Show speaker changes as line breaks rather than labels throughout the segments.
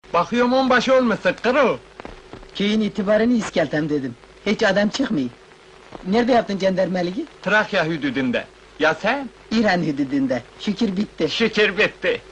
Bakıyorum onbaşı olmuşsun kırıl.
Köyün itibarını iskeltem dedim. Hiç adam çıkmıyor. Nerede yaptın cendermeliği?
Trakya hüdüdünde. Ya sen?
İran hududunda. Şükür bitti.
Şükür bitti.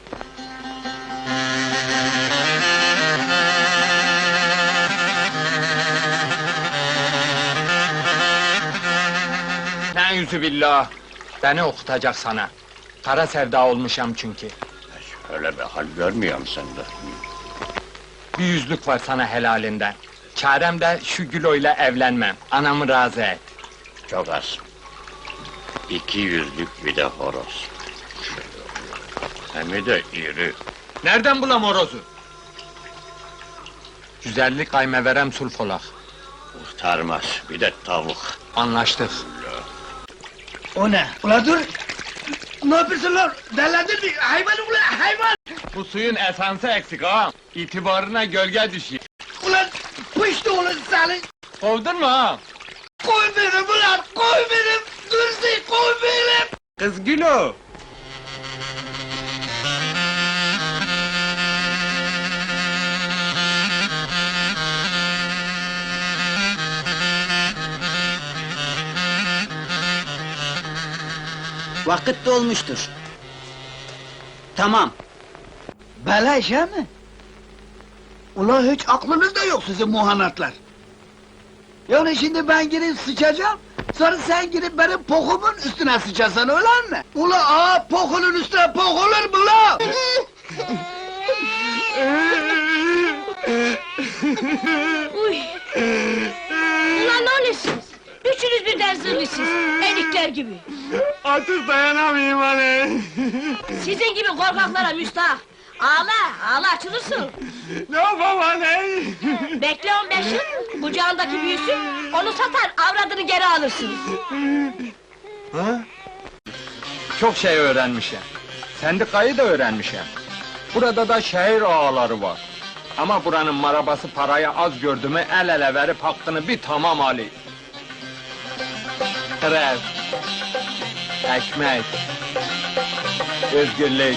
Ne'üzübillah! Beni okutacak sana. Kara sevda olmuşam çünkü.
Öyle bir hal görmüyorum sende.
Bir yüzlük var sana helalinden. Çarem de şu Gülo'yla evlenmem. Anamı razı et.
Çok az. 200'lük bir de horoz. Hem de iri.
Nereden bulam horozu? Güzellik kaymeverem sulfolak.
Kurtarmaz, bir de tavuk.
Anlaştık.
O ne? Ula dur! Ne yapıyorsun lan? Delendin mi? Hayvan ulan hayvan!
Bu suyun esansı eksik ağam. İtibarına gölge düşüyor.
Ulan pıştı ulan seni!
Kovdun mu ağam?
Koy beni ulan! Koy beni! Dursi koy beni!
Kız Gülo!
Vakit dolmuştur. Tamam.
Bela işe mi? Ulan hiç aklınızda yok sizin muhanatlar. Yani şimdi ben girip sıçacağım, sonra sen girip benim pokumun üstüne sıçasan öyle mi? Ula pokunun üstüne pok olur mu la?
Uy! Ulan ne oluyorsunuz? Üçünüz birden zırlısınız, enikler gibi.
Artık dayanamayayım hani.
Sizin gibi korkaklara müstahak. Ağla, ağla açılırsın.
Ne yapayım hani?
Bekle 15 yıl, kucağındaki büyüsün, onu satar, avradını geri alırsın.
Ha? Çok şey öğrenmişim. Sendikayı da öğrenmişim. Burada da şehir ağaları var. Ama buranın marabası parayı az gördü mü el ele verip hakkını bir tamam Ali. Grev, ekmek, özgürlük,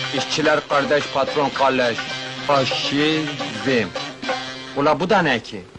işçiler kardeş, patron kalleş, faşizm. Ula bu da ne ki?